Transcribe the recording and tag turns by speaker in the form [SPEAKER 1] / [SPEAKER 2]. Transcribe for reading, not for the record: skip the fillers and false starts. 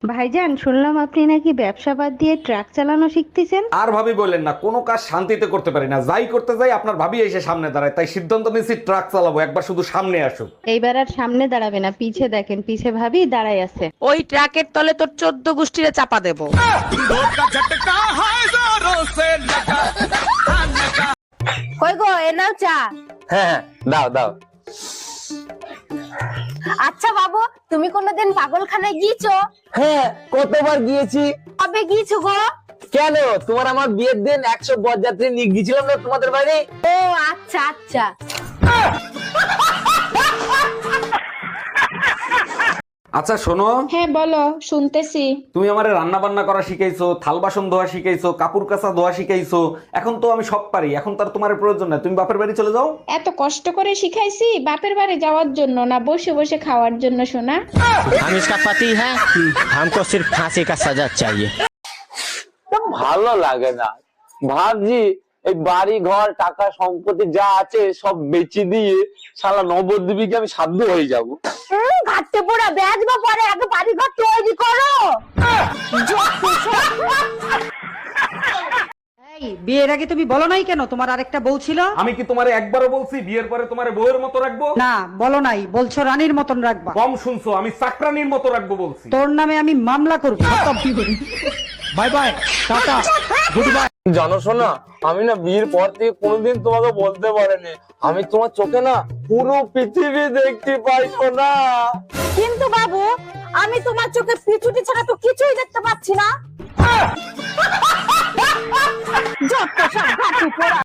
[SPEAKER 1] ভাইজান, শুনলাম আপনি নাকি ব্যবসা বাদ দিয়ে ট্রাক চালানো শিখতেছেন।
[SPEAKER 2] আর ভাবি বললেন না, কোনো কাজ শান্তিতে করতে পারি না, যাই করতে যাই আপনার ভাবি এসে সামনে দাঁড়ায়, তাই সিদ্ধান্ত নিয়েছি ট্রাক চালাবো, একবার শুধু সামনে আসুক।
[SPEAKER 1] এইবার আর সামনে দাঁড়াবে না, পিছে দেখেন, পিছে ভাবি দাঁড়াই আছে।
[SPEAKER 3] ওই ট্রাকের তলে তোর 14 গোষ্ঠীরে চাপা দেবো।
[SPEAKER 4] কই গো, এ নাও চা।
[SPEAKER 5] হ্যাঁ হ্যাঁ, দাও দাও।
[SPEAKER 4] আচ্ছা বাবু, তুমি কোনোদিন পাগলখানায় গিয়েছো?
[SPEAKER 5] হ্যাঁ, কতবার গিয়েছি।
[SPEAKER 4] কবে গিয়েছো গো?
[SPEAKER 5] কেন, তোমার আমার বিয়ের দিন 100 বরযাত্রী নিয়ে গিয়েছিলাম না তোমাদের বাড়ি।
[SPEAKER 4] ও আচ্ছা আচ্ছা।
[SPEAKER 2] আচ্ছা শোনো,
[SPEAKER 6] হ্যাঁ বলো, শুনতেছি।
[SPEAKER 2] তুমি আমারে রান্না বান্না করা শিখাইছো, থাল বাসন ধোয়া শিখাইছো, কাপড় কাচা ধোয়া শিখাইছো, এখন তো আমি সব পারি, এখন তার তোমার প্রয়োজন নাই, তুমি বাপের বাড়ি চলে যাও।
[SPEAKER 6] এত কষ্ট করে শিখাইছি বাপের বাড়ি যাওয়ার জন্য না, বসে বসে খাওয়ার জন্য সোনা।
[SPEAKER 7] हम इसका पति है, हमको सिर्फ फांसी का सजा चाहिए।
[SPEAKER 5] তো ভালো লাগে না, ভাবছি এই বাড়ি ঘর টাকা সম্পত্তি যা আছে সব বেচে দিয়ে শালা নবদ্বীপীকে আমি সাধ্য হয়ে যাব।
[SPEAKER 4] ঘাটতে পোড়া বেচবো, পরে আগে বাড়ি ঘর তৈরি করো।
[SPEAKER 8] বিয়ের আগে তুমি বলো নাই কেন তোমার আরেকটা বউ ছিল?
[SPEAKER 2] আমি কি তোমারে একবারও বলছি বিয়ের পরে তোমারে বউয়ের মতো রাখবো?
[SPEAKER 8] না, বলো নাই, বলছো রানীর মতন রাখবা।
[SPEAKER 2] কম শুনছো, আমি চাকরানির মতো রাখবো বলছি।
[SPEAKER 8] তোর নামে আমি মামলা করবো। Bye bye, tata, goodbye.
[SPEAKER 5] জানো শোনা, আমি না বিয়ের পর থেকে কোনোদিন তোমাকে বলতে পারিনি আমি তোমার চোখে না পুরো পৃথিবী দেখতে পাই না।
[SPEAKER 4] কিন্তু বাবু, আমি তোমার চোখে পিছুটি ছাড়া তো কিছুই দেখতে পাচ্ছি না। যত সব ঘাটতে পোড়া।